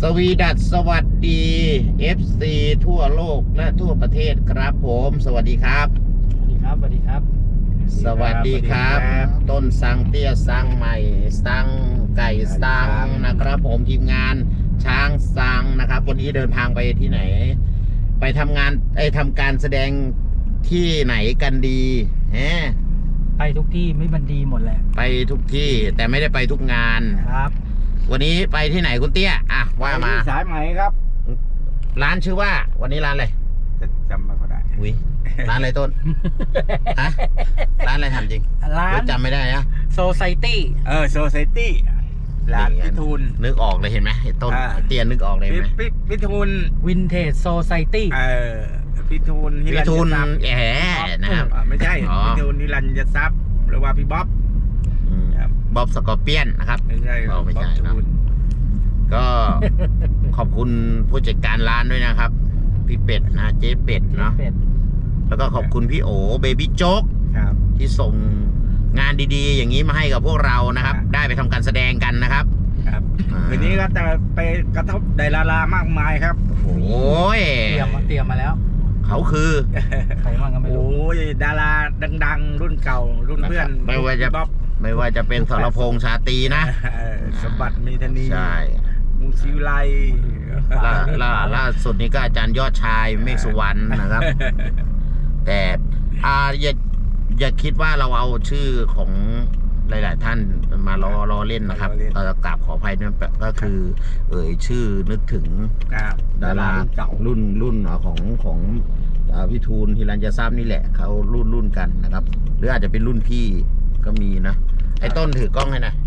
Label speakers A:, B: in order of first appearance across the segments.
A: สวัสดี FC ทั่วโลกและทั่วประเทศครับผมสวัสดีครับ
B: สวัสดีครับ สวัสดีครับ
A: สวัสดีครับต้นสังเตี้ยสังใหม่สังไก่สังนะครับผมทีมงานช้างสังนะครับวันนี้เดินทางไปที่ไหนไปทำงานทำการแสดงที่ไหนกันดี
B: ไปทุกที่ไม่บันดีหมดแหละ
A: ไปทุกที่แต่ไม่ได้ไปทุกงาน
B: ครับ
A: วันนี้ไปที่ไหนคุณเตี้ยว่ามา
C: สายไหมครับ
A: ร้านชื่อว่าวันนี้ร้านอะไร
C: จำไม่ค่อยได้
A: อุ้ยร้านอะไรต้นฮะร้านอะไรทำจริง
B: ร้าน
A: จำไม่ได้นะ
B: โซไซตี้
C: โซไซตี้ร้านพิทูล
A: นึกออกเลยเห็นไหมต้นเตี้ยนึกออกเลยไหม
C: พิทูล
B: วินเทจโซไซตี้
C: พิทูล
A: นะครับ
C: ไม่ใช่พิทูลนิรันยทรัพย์หรือว่าพี่บ๊อบ
A: บ๊อบสกอร์เปียนนะครับ
C: ไม่ใช่
A: ไม่ใช่นะก็ขอบคุณผู้จัดการร้านด้วยนะครับพี่เป็ดนะเจ๊เป็ดเนาะแล้วก็ขอบคุณพี่โอเบบี้โจ๊กที่ส่งงานดีๆอย่างนี้มาให้กับพวกเรานะครับได้ไปทำการแสดงกันนะครับ
C: วันนี้ก็จะไปกระทบดารามากมายครับ
A: โอ้ย
B: เตรียมมาแล้ว
A: เขาคือ
B: ใครบ้างก็ไม่รู้
C: โอ้ยดาราดังๆรุ่นเก่ารุ่นเพื่อน
A: ไม่ว่าจะเป็นสรพงษ์ชาตรีนะ
C: สมบัติมีธนี
A: ใช่
C: มุงศิวไล
A: ล่าสุดนี้ก็อาจารย์ยอดชายเมฆสุวรรณนะครับแต่อย่าคิดว่าเราเอาชื่อของหลายๆท่านมาล้อเล่นนะครับเราจะกราบขออภัยนั่นก็คือชื่อนึกถึงดารารุ่นของพี่ทูลฮิรัญยทรัพย์นี่แหละเขารุ่นกันนะครับหรืออาจจะเป็นรุ่นพี่ก็มีนะไอ้ต้นถือกล้องให้หน่อย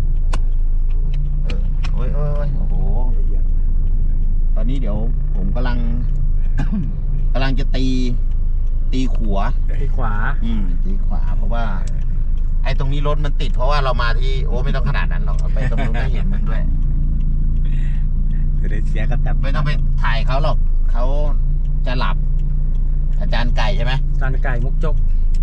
A: โอ้ยโอ้โหตอนนี้เดี๋ยวผมกำลังจะตีขวา
B: ตีขวา
A: เพราะว่าไอ้ตรงนี้รถมันติดเพราะว่าเรามาที่ไม่ต้องขนาดนั้นหรอกไปตรงนู้นได้เห็นมันด้วย
C: เสียก็แต่
A: ไม่ต้องไปถ่ายเขาหรอกเขาจะหลับอาจารย์ไก่ใช่ไหม
B: อาจารย์ไก่มุกจก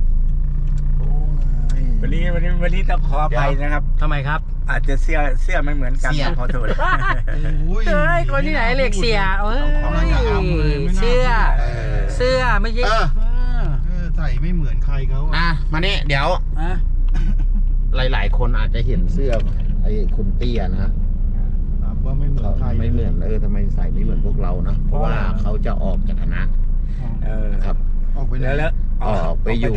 C: วันนี้ต้องขออภัยนะครับ
B: ทำไมครับ
C: อาจจะเสื้อไม่เหมือนกันขอโทษ
B: เฮ้ยคนที่ไหนเล็กเสียเสื้อไม่ใช่
C: ใส่ไม่เหมือนใครเขา
A: มาเนี่ยเดี๋ยวหลายคนอาจจะเห็นเสื้อไอ้คุณเตี้ยนะ
C: ว่าไม่เหมือนใคร
A: ไม่เหมือนทำไมใส่ไม่เหมือนพวกเรานะเพราะว่าเขาจะออกจากคณะครับ
C: ออกไปแล้ว
A: ออกไปอยู่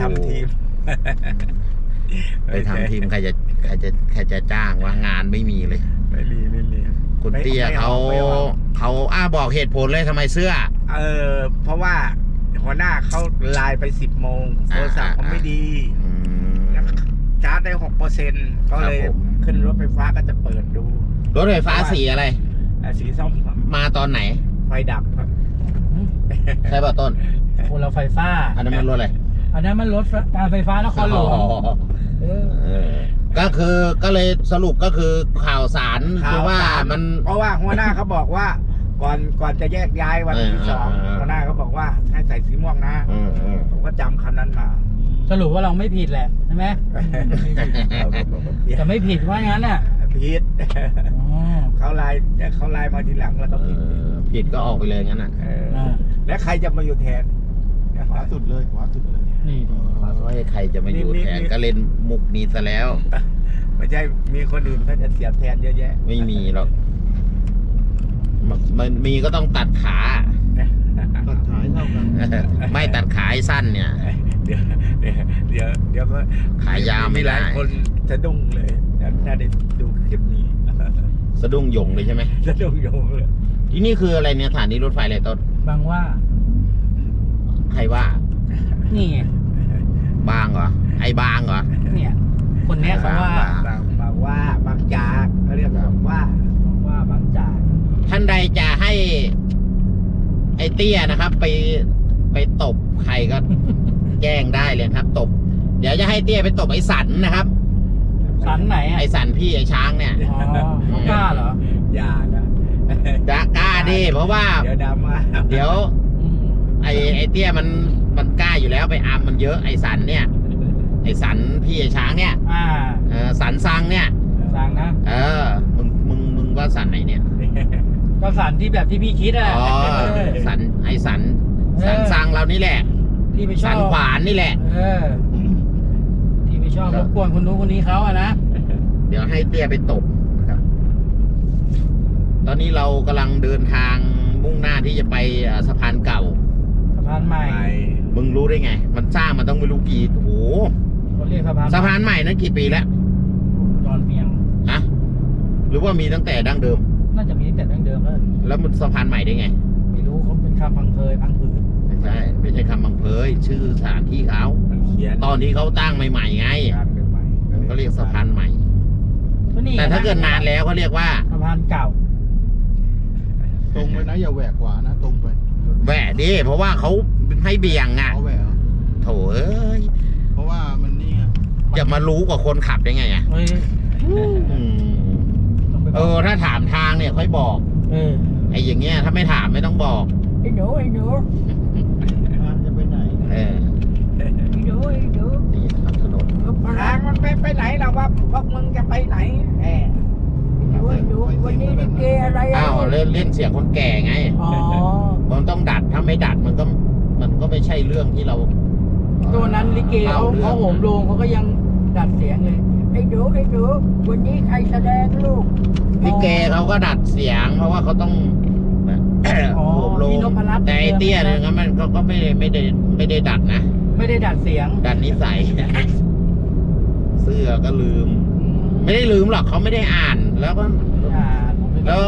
A: ไปทำทีมใครจะจ้างว่างานไม่มีเลย
C: ไม่มี
A: คุณเตี้ยเขาบอกเหตุผลเลยทำไมเสื้อ
C: เพราะว่าหัวหน้าเขาไลน์ไป10 โมงโทรศัพท์เขาไม่ดีชาร์จได้ 6% ก็เลยขึ้นรถไฟฟ้าก็จะเปิดดู
A: รถไฟฟ้าสีอะไร
C: สีส้ม
A: มาตอนไหน
C: ไฟดับครับ
A: ใช่ป่ะต้น
B: คนเราไฟฟ้า
A: อันนั้นมันรถอะไร
B: อันนั้นมันรถการไฟฟ้านครหลวง
A: ก็เลยสรุปก็คือข่าวสารคือว่ามัน
C: เพราะว่าหัวหน้าเขาบอกว่าก่อนจะแยกย้ายวันที่2หัวหน้าเขาบอกว่าให้ใส่สีม่วงนะผมก็จำคำนั้นมา
B: สรุปว่าเราไม่ผิดแหละใช่ไหมแต่ไม่ผิดว่างั้นน่ะ
C: ผิดเขาไลน์มาทีหลังแล้วก็
A: ผิดก็ออกไปเลยงั้นน่ะ
C: แล้วใครจะมาอยู่แทนขวาสุดเลย
B: นี่
A: ใครจะมาอยู่แทนก็เล่นมุกนี้ซะแล้ว
C: ไม่ใช่มีคนอื่นเขาจะเสียบแทนเยอะแยะ
A: ไม่มีหรอกมันมีก็ต้องตัดขา
C: ตัดขาเท่ากัน
A: ไม่ตัดขาสั้นเนี่ย
C: เดี๋ยวก็
A: ขายาวไม่ได้
C: คนสะดุ้งเลยถ้าได้ดูคลิปนี้
A: สะดุ้งหยงเลยใช่ไหม
C: สะดุ้งหยงเลย
A: ที่นี่คืออะไรเนี่ยสถานีรถไฟอะไรต้น
B: บางว่า
A: ใครว่า
B: นี่
A: บางเหรอไอ้บางเหรอ
B: เนี่ยคนนี้เขาว่า
C: บางจากเขาเรียกว่า
B: บางจาก
A: ท่านใดจะให้ไอ้เตี้ยนะครับไปตบใครก็แจ้งได้เลยครับตบเดี๋ยวจะให้เตี้ยไปตบไอ้สันนะครับ
B: สันไหน
A: ไอ้สันพี่ไอ้ช้างเนี่ย
B: กล้าเหรอ
C: อย่านะ
A: กล้าดิเพราะว่า
C: เดี๋ยว
A: ไอ้เตี้ยมันกล้าอยู่แล้วไปอามมันเยอะไอ้สันเนี่ยไอ้สันพี่ไอ้ช้างเนี่ย
B: สั
A: นซังเนี่ย
B: สังนะ
A: มึงว่าสันไหนเนี่ย
B: ก็สันที่แบบที่พี่คิดอ่ะ
A: อ๋อ สันไอสันสังเรานี่แหละ
B: ที่ไปชอ
A: สั
B: บ
A: นขวานนี่แหละ
B: ที่ไปชอบรบกวนคนนู้นคนนี้เขาอะนะ
A: เดี๋ยวให้เตี้ยไปตบนะครับ ตอนนี้เรากำลังเดินทางมุ่งหน้าที่จะไปสะพานเก่า
B: สะพานใหม่
A: มึงรู้ได้ไง มันสร้างมันต้องไม่รู้กี่โอ้โห
B: เขาเรียกสะพาน
A: สะพานใหม่นั้นกี่ปีแล้ว
B: ดอนเมียง
A: ฮะหรือว่ามีตั้งแต่ดั้งเดิม
B: น่าจะมีตั้งแต่ดั้งเดิมแล้ว
A: แล้วมันสะพานใหม่ได้ไง
B: ไม่รู้เขาเป็นคำพังเพยพังผืน
A: ไม่ใช่ ไม่ใช่คำบังเพยชื่อสถานที่เขา
C: มันเขียน
A: ตอนที่เขาตั้งใหม่ๆไง
C: ใหม่ๆ
A: ก็เรียกสะพานใหม่
B: ก็นี่
A: แต่ถ้าเกิดนานแล้วเขาเรียกว่า
B: สะพานเก่า
D: ตรงไปนะอย่าแหวกขวานะตรงไป
A: แหวะดิเพราะว่าเขาให้เบี่ยงอ่ะ
D: เขาแหวกเหรอ
A: โถเอ้ย
D: เพราะว่ามันนี่ไง
A: จะมารู้กว่าคนขับได้ไงอ่ะ
B: เฮ้ย
A: อืม
B: ต้องไปบ
A: เอ
B: อก
A: อถ้าถามทางเนี่ยค่อยบอก ไอ้อย่างเงี้ยถ้าไม่ถามไม่ต้องบอก
B: ไอ้หนูไอ้หนู
D: จะไปไหน
A: เออ
B: ไอ้หนูไอ้หนู
A: นี่นะครับถนน
C: ทางมันไม่ไปไหนหรอกว่าพวกมึงจะไปไหนแหม
B: วันนี้ลิเกอะไร
A: อ้าวเล่นเสียงคนแก่ไง
B: อ๋อ
A: มันต้องดัดถ้าไม่ดัดมันก็ไม่ใช่เรื่องที่เรา
B: ตัวนั้นลิเกเขาโหมโรงเขาก็ยังดัดเสียงเลยไอ้หนูไอ้หนูวันนี้ใครแสดงลูก
A: ลิเกเขาก็ดัดเสียง เพราะว่าเขาต้อง
B: อ๋อ
A: โหมโลง
B: พี่นพรัตน์
A: แต่ไอ้เตี้ยเนี่ยงั้นมันก็ไม่ได้ดัดนะ
B: ไม่ได้ดัดเสียง
A: ดัดนิสัย เสื้อก็ลืม ไม่ได้ลืมหรอกเขาไม่ได้อ่าน แล้วก็ แล้ว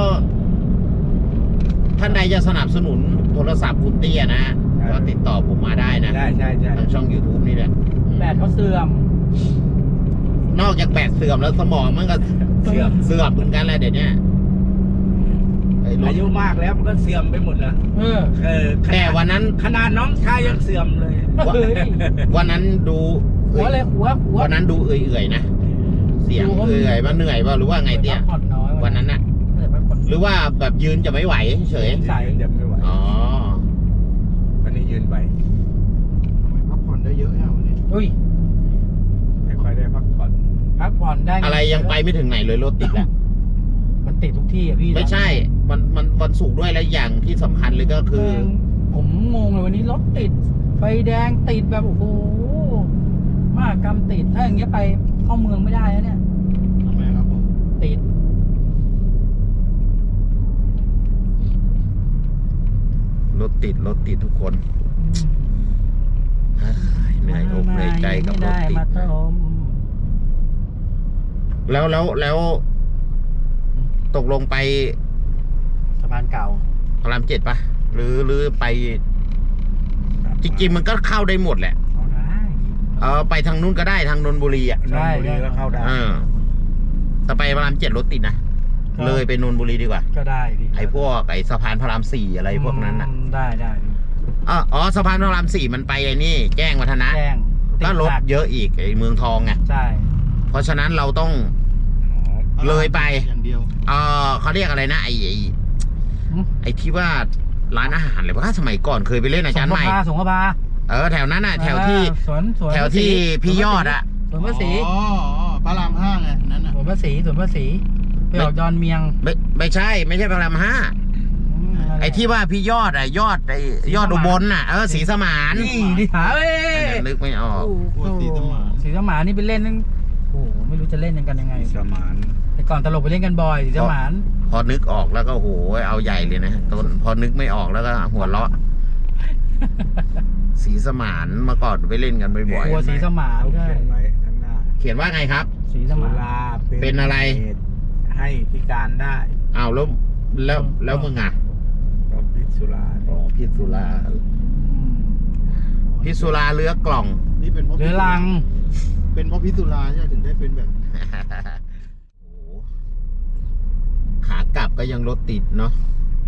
A: ท่านใดจะสนับสนุนโทรศัพท์คุณเตี้ยนะก็ติดต่อผมมาได้นะ
C: ใช่
A: ทางช่อง YouTube นี่แหละ
B: แบตเขาเสื่อม
A: นอกจากแบตเสื่อมแล้วสมองมันก็เสื่อมเหมือนกันแหละเดี๋ยวนี้ไอ้รถ
C: อายุมากแล้วมันก็เสื่อมไปหมดแล้ว
A: แต่วันนั้น
C: ขนาดน้องชายยังเสื่อมเลย
B: เฮ้ย
A: วันนั้นดู
B: หัวเลยหัว
A: วันนั้นดูเอื่อยๆนะเสียงเอื่อยว่าเหนื่อยว่าหรือว่าไงเตี้ย
B: ผ่อนน้อย
A: วันนั้นน่ะ หรือว่าแบบยืนจะไม่ไหวเฉย
B: ใส่
C: เดี๋ยวไม่ไหว
A: อ๋อ
C: วันนี้ยืนไป
D: ทำไมพักผ่อนได้เยอะแค่วันนี้
B: อุ้ย
C: ไม่ค่อยได้พักผ่อน
B: พักผ่อนได้
A: อะไรยังไปไม่ถึงไหนเลยรถติดแล้ว
B: มันติดทุกที่อ่ะพี่
A: ไม่ใช่ มันวันศุกร์ด้วยแล้วอย่างที่สำคัญเลยก็คือ
B: ผมงงเลยวันนี้รถติดไฟแดงติดแบบโอ้โหมากกรรมติดถ้าอย่างเงี้ยไปเข้าเมืองไม่ได้แล้วเนี่ย
D: ทำไมครับผม
B: ติด
A: รถติดทุกคนเฮ้ยเหนื่อยอกเหนื่อยใจกับรถติด
B: ไม่ได้มาต้ม
A: แล้วตกลงไป
B: สะพานเก่า
A: พระราม7ปะหรือไป จริงๆมันก็เข้าได้หมดแหละ
B: เอาได้
A: ไปทางนู้นก็ได้ทางนนทบุรีอ่ะ
C: นนทบุรีก็เข้าได้
A: แต่ไปพระราม7รถติดนะเลยไปนนทบุรีดีกว่า
B: ก็ได้พี่
A: ไอ้พวกไอ้สะพานพระราม4อะไรพวกนั้นน่ะ
B: ได้พี่
A: อ๋อสะพานพระราม4มันไปไอ้นี่แจ้งวัฒนะ
B: แจ้ง
A: ก็รถเยอะอีกไอ้เมืองทองไง
B: ใช่
A: เพราะฉะนั้นเราต้อง เลยไป
D: อย่างเดียว
A: เขาเรียกอะไรนะไอ้ที่ว่าร้านอาหารเลยว่าสมัยก่อนเคยไปเล่นอาจารย์ใหม่
B: สงขลา
A: แถวนั้นน่ะแถวที่
B: สวน
A: แถวที่พี่ยอดอะ
B: สวนภาษี
D: อ๋อพระราม5ไงนั่นน่ะ
B: สวนภาษีไปออกดอนเมียง
A: ไม่ใช่พระราม5ไอ้ที่ว่าพี่ยอดยอดอุบลน่ะศรีสมาน
B: นี่ดิหาเอ้ย
A: นึกไม่ออก
B: ศรีสมานนี่ไปเล่นนั่นโอ้โหไม่รู้จะเล่นกันยังไง
C: สมาน
B: แต่ก่อนตลกไปเล่นกันบ่อยศรีสมาน
A: พอนึกออกแล้วก็โหเอาใหญ่เลยนะต้นพอนึกไม่ออกแล้วก็หัวเราะศรีสมานเมื่อก่อนไปเล่นกันบ่อย
B: กลัวศรีสมาน
C: เขา
B: ใช่
C: เขียนไว้ข้างหน้า
A: ๆเขียนว่าไงครับ
B: ศรีส
C: สุ
B: มาน
C: รา
A: เป็นอะไร
C: เหตุให้พิการได้
A: อ้าวแล้วมึงอ่ะ
C: ก็พิษสุรา
A: พิษสุราพิษสุราเรือกล่อง
D: นี่เป็นเพราะ
B: เรือลัง
D: เป็นเพราะพิษสุราใช่ไหมถึงได้เป็นแบบ
A: โอ้โหขากลับก็ยังรถติดเนาะ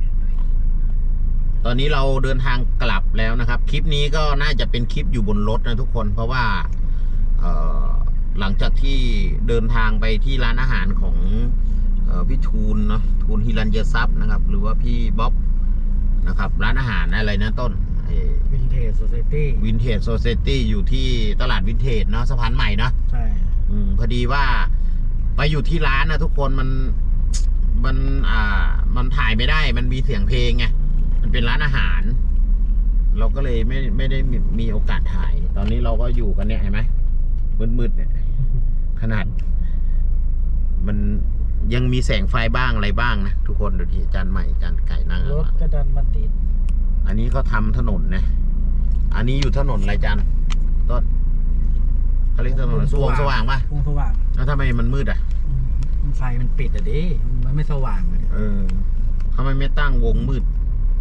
A: ตอนนี้เราเดินทางกลับแล้วนะครับ คลิปนี้ก็น่าจะเป็นคลิปอยู่บนรถนะทุกคน เพราะว่าหลังจากที่เดินทางไปที่ร้านอาหารของพี่ทูลเนาะทูลฮิรัญยทรัพย์นะครับ หรือว่าพี่บ๊อบนะครับ ร้านอาหารอะไรนะต้น
B: วินเทจโซเซตี้
A: วินเทจโซเซตี้อยู่ที่ตลาดวินเทจเนาะสะพานใหม่เนาะ
B: ใช่
A: พอดีว่าไปอยู่ที่ร้านนะทุกคนมันมันมันถ่ายไม่ได้มันมีเสียงเพลงไงมันเป็นร้านอาหาร เราก็เลยไม่ได้มีโอกาสถ่าย ตอนนี้เราก็อยู่กันเนี่ยเห็นไหมมืดๆเนี่ยขนาด มันยังมีแสงไฟบ้างอะไรบ้างนะทุกคนดูที่จานใหม่จานไก่นั่ง
B: รถก็ดันมาติด
A: อันนี้เขาทำถนนนะอันนี้อยู่ถนนอะไรจานต้นเขาเรียกถนนสว่างป่ะ
B: วงสว่าง
A: แล้วทำไมมันมืดอ่ะ
B: ไฟมันปิดอ่ะดิมันไม่สว่างเลย
A: ทำไมไม่ตั้งวงมืด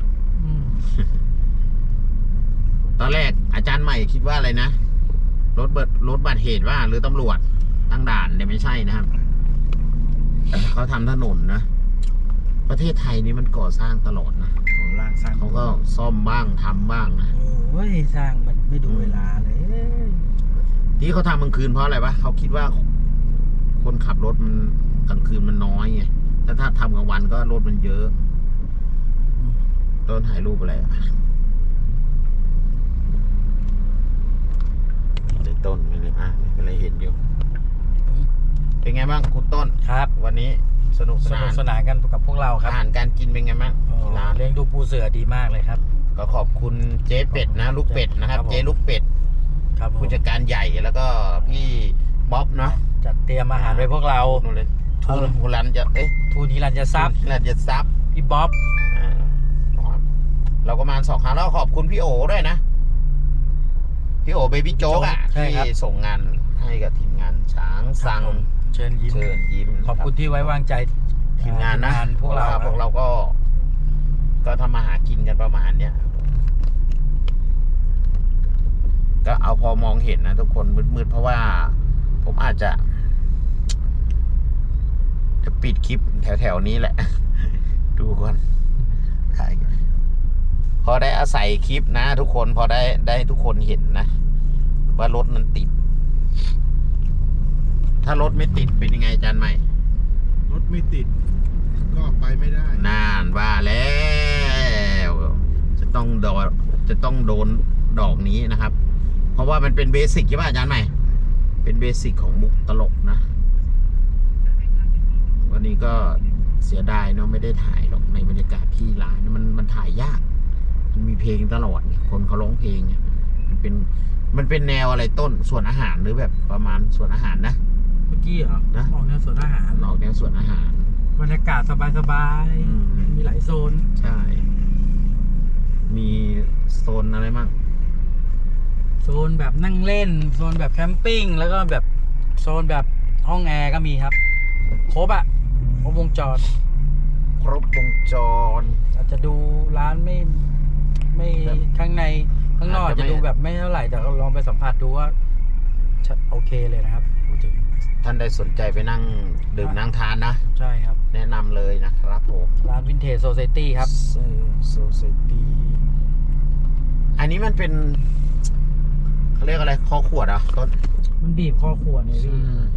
A: ตอนแรกอาจารย์ใหม่คิดว่าอะไรนะรถบัตรเหตุว่าหรือตำรวจตั้งด่านเนี่ยไม่ใช่นะครับเขาทำถนนนะประเทศไทยนี่มันก่อสร้างตลอดนะ
B: ของล่างสร้าง
A: เขาก็ซ่อมบ้างทำบ้างนะ
B: โอ้ยสร้างมันไม่ดูเวลาเลย
A: ที่เขาทำกลางคืนเพราะอะไรวะเขาคิดว่าคนขับรถมันกลางคืนมันน้อยไงแต่ถ้าทำกลางวันก็รถมันเยอะต้นถ่ายรูปอะไรอ่ะในต้นไม่ได้ไม่ได้เห็นอยู่เป็นไงบ้างคุณต้น
B: ครับ
A: วันนี้สนุกส
B: ส
A: นา
B: นุก
A: น
B: สนานกันกับพวกเราครับ
A: อาหารการกินเป็นไงบ้างที่ร้าน
B: เลี้ยงดูปูเสือดีมากเลยครับ
A: ก็ขอบคุณเจ๊เป็ดนะลูกเป็ดนะครับ
B: ครับผม
A: เจ๊ลูกเป็ด
B: ครับผม
A: ผู้จัดการใหญ่แล้วก็พี่บ๊อบเนาะ
B: จัดเตรียมอาหารไว้พวกเรา
A: นู่นเลยทูรันจะ
B: ทูนิรันจะซับ
A: รันจะซับ
B: พี่บ๊อบ
A: เราก็มา2 ครั้งแล้วขอบคุณพี่โอด้วยนะพี่โอเบบี้โจ๊กที่ส่งงานให้กับทีมงานช้างสั่ง
B: เชิญยิ้ม
A: เชิญยิ้ม
B: ขอบคุณที่ไว้วางใจ
A: ทีมงานนะ
B: พวกเรา
A: พวกเราก็ทำมาหากินกันประมาณเนี้ยก็เอาพอมองเห็นนะทุกคนมืดๆเพราะว่าผมอาจจะปิดคลิปแถวๆนี้แหละ ดูก่อนถ่ายพอได้อาศัยคลิปนะทุกคนพอได้ทุกคนเห็นนะว่ารถมันติด ถ้ารถไม่ติดเป็นยังไงอาจารย์ใหม่
D: รถไม่ติด ก็ไปไม่ได้
A: นานว่าแล้วจะต้องโดนดอกนี้นะครับ เพราะว่ามันเป็นเบสิกใช่ป่ะอาจารย์ใหม่เป็นเบสิกของมุกตลกนะวันนี้ก็เสียดายเนาะไม่ได้ถ่ายหรอกในบรรยากาศที่ร้านมันถ่ายยากมันมีเพลงตลอดคนเขาร้องเพลงมันเป็นแนวอะไรต้นส่วนอาหารหรือแบบประมาณส่วนอาหารนะ
B: เมื่อกี้เหรอ
A: นะ
B: ออกแนวสวนอาหาร
A: ออกแนวส่วนอาหาร
B: บรรยากาศสบาย
A: อืม
B: ๆมีหลายโซน
A: ใช่ มีโซนอะไรมั่ง
B: โซนแบบนั่งเล่นโซนแบบแคมปิ้งแล้วก็แบบโซนแบบห้องแอร์ก็มีครับครบวงจร
A: ครบวงจร
B: อาจจะดูร้านไม่
A: แบบ
B: ข้างในข้างนอก
A: อาจจะ
B: จะ
A: ไม่
B: ดูแบบไม่เท่าไหร่แต่ลองไปสัมผัสดูว่าโอเคเลยนะครับพูดถึง
A: ท่านใดสนใจไปนั่งดื่มนั่งทานนะ
B: ใช่ครับ
A: แนะนำเลยนะครับผม
B: ร้านวินเทจโซซตี้ครับ
A: โซซตี้อันนี้มันเป็นเขาเรียกอะไรคอขวดอ่ะต้น
B: มันบีบคอขวดเนี่ยพี่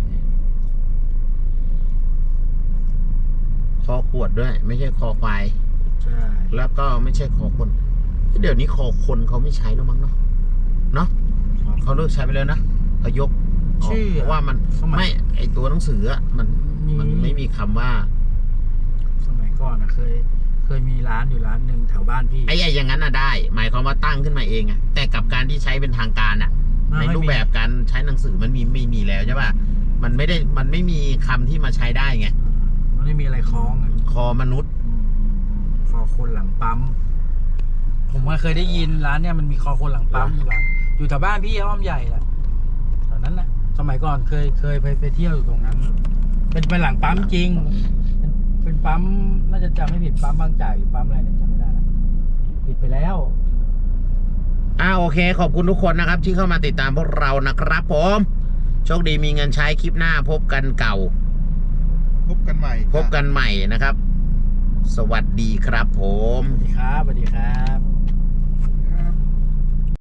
A: คอขวดด้วย ไม่ใช่คอควาย
B: ใช่
A: แล้วก็ไม่ใช่คอคนเดี๋ยวนี้คอคนเขาไม่ใช้แล้วมั้งเนาะเขาเลิกใช้ไปแล้วนะเขายกออก
B: ชื่อ
A: เพราะว่ามัน
B: สมัย
A: ไม่ไอตัวหนังสืออะมันไม่มีคำว่า
B: สมัยก่อนเคยมีร้านอยู่ร้านหนึ่งแถวบ้านพี่
A: ไอ้อย่างนั้นน่ะได้ หมายความว่าตั้งขึ้นมาเองอะแต่กับการที่ใช้เป็นทางการอะในรูปแบบการใช้หนังสือมันไม่มีแล้วใช่ป่ะมันไม่มีคำที่มาใช้ได้ไง
B: มันไม่มีอะไรคล้องอะ
A: คอมนุษย์
B: คอคนหลังปั๊มผมเคยได้ยินร้านเนี่ยมันมีคอคนหลังปั๊มอยู่หลังอยู่แถวบ้านพี่อ้อมใหญ่แหละแถวนั้นแหละสมัยก่อนเคยไปเที่ยวอยู่ตรงนั้น เป็นหลังปั๊มจริง เป็นปั๊มน่าจะจำไม่ผิดปั๊มบางจากหรือปั๊มอะไรเนี่ยจำไม่ได้ละปิดไปแล้ว
A: โอเคขอบคุณทุกคนนะครับ ที่เข้ามาติดตามพวกเรานะครับผมโชคดีมีเงินใช้คลิปหน้าพบกันเก่า
D: พบกันใหม่
A: พบกันใหม่นะครับ สวัสดีครับผม
B: สวัสดีครับ